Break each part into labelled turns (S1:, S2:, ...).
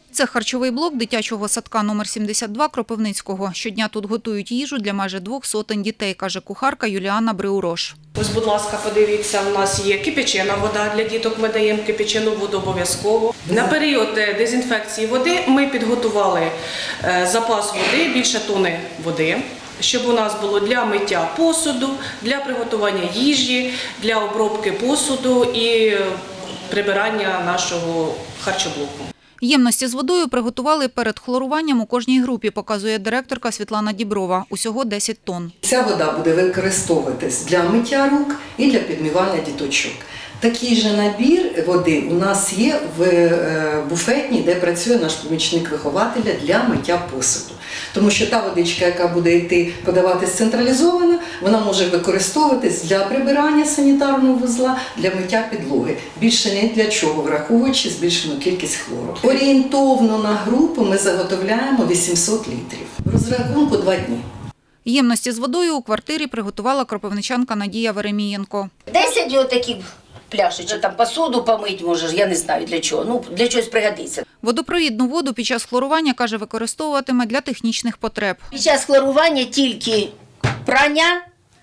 S1: Це харчовий блок дитячого садка номер 72 Кропивницького. Щодня тут готують їжу для майже 200 дітей, каже кухарка Юліана Бриурош.
S2: Ось, будь ласка, подивіться, у нас є кипячена вода для діток, ми даємо кипячену воду обов'язково. На період дезінфекції води ми підготували запас води, більше тони води, щоб у нас було для миття посуду, для приготування їжі, для обробки посуду і прибирання нашого харчоблоку.
S1: Ємності з водою приготували перед хлоруванням у кожній групі, показує директорка Світлана Діброва. Усього 10 тонн.
S3: Ця вода буде використовуватись для миття рук і для підмивання діточок. Такий же набір води у нас є в буфетній, де працює наш помічник вихователя для миття посуду. Тому що та водичка, яка буде йти подаватись централізовано, вона може використовуватись для прибирання санітарного вузла, для миття підлоги. Більше ні для чого, враховуючи збільшену кількість хлору. Орієнтовно на групу ми заготовляємо 800 літрів. В розрахунку 2 дні.
S1: Ємності з водою у квартирі приготувала кропивничанка Надія Веремієнко.
S4: 10 отаких пляшечок, там посуду помить можеш, я не знаю для чого, ну для чогось пригодиться.
S1: Водопровідну воду під час хлорування, каже, використовуватиме для технічних потреб.
S4: Під час хлорування тільки прання,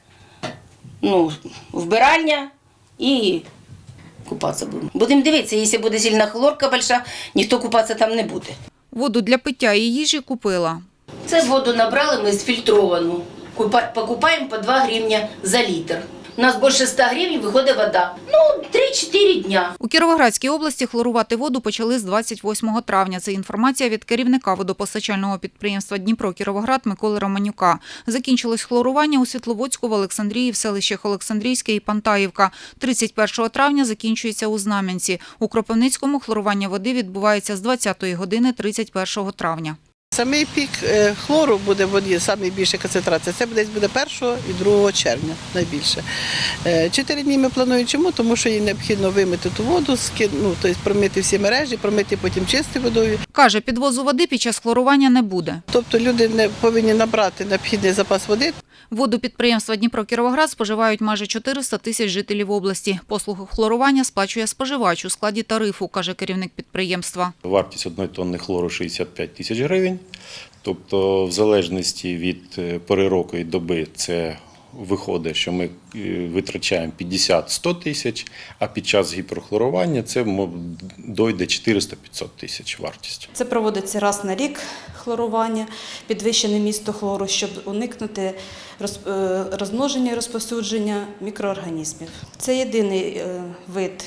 S4: вбиральня і купатися будемо. Будемо дивитися, якщо буде сильна хлорка велика, ніхто купатися там не буде.
S1: Воду для пиття і їжі купила.
S4: Це воду набрали ми зфільтровану. Покупаємо по 2 гривні за літр. У нас більше 100 гривень виходить вода. 3-4 дня.
S1: У Кіровоградській області хлорувати воду почали з 28 травня. Це інформація від керівника водопостачального підприємства «Дніпро-Кіровоград» Миколи Романюка. Закінчилось хлорування у Світловодську, в Олександрії, в селищах Олександрійське і Пантаївка. 31 травня закінчується у Знам'янці. У Кропивницькому хлорування води відбувається з 20-ї години 31 травня.
S5: Самий пік хлору буде в воді, найбільша концентрація, це десь буде 1 і 2 червня найбільше. 4 дні ми плануємо чому? Тому що їй необхідно вимити ту воду, тобто промити всі мережі, промити потім чистою водою.
S1: Каже, підвозу води під час хлорування не буде.
S5: Тобто люди не повинні набрати необхідний запас води.
S1: Воду підприємства «Дніпро-Кіровоград» споживають майже 400 тисяч жителів області. Послугу хлорування сплачує споживач у складі тарифу, каже керівник підприємства.
S6: Вартість 1 тонни хлору 65 тисяч гривень. Тобто в залежності від пори року і доби це виходить, що ми витрачаємо 50-100 тисяч, а під час гіперхлорування це дойде 400-500 тисяч вартість.
S7: Це проводиться раз на рік хлорування, підвищене місто хлору, щоб уникнути розмноження і розповсюдження мікроорганізмів. Це єдиний вид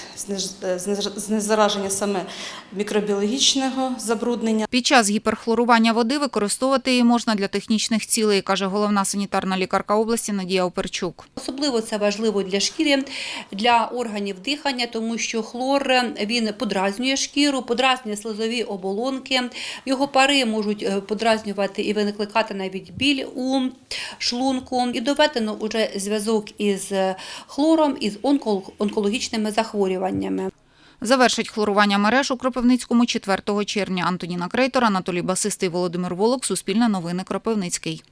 S7: знезараження саме мікробіологічного забруднення.
S1: Під час гіперхлорування води використовувати її можна для технічних цілей, каже головна санітарна лікарка області Надія Оперчук.
S8: Особливо це важливо для шкіри, для органів дихання, тому що хлор він подразнює шкіру, подразнює слизові оболонки. Його пари можуть подразнювати і викликати навіть біль у шлунку. І доведено вже зв'язок із хлором і з онкологічними захворюваннями.
S1: Завершить хлорування мереж у Кропивницькому 4 червня. Антоніна Крейтор, Анатолій Басистий, Володимир Волок. Суспільне новини, Кропивницький.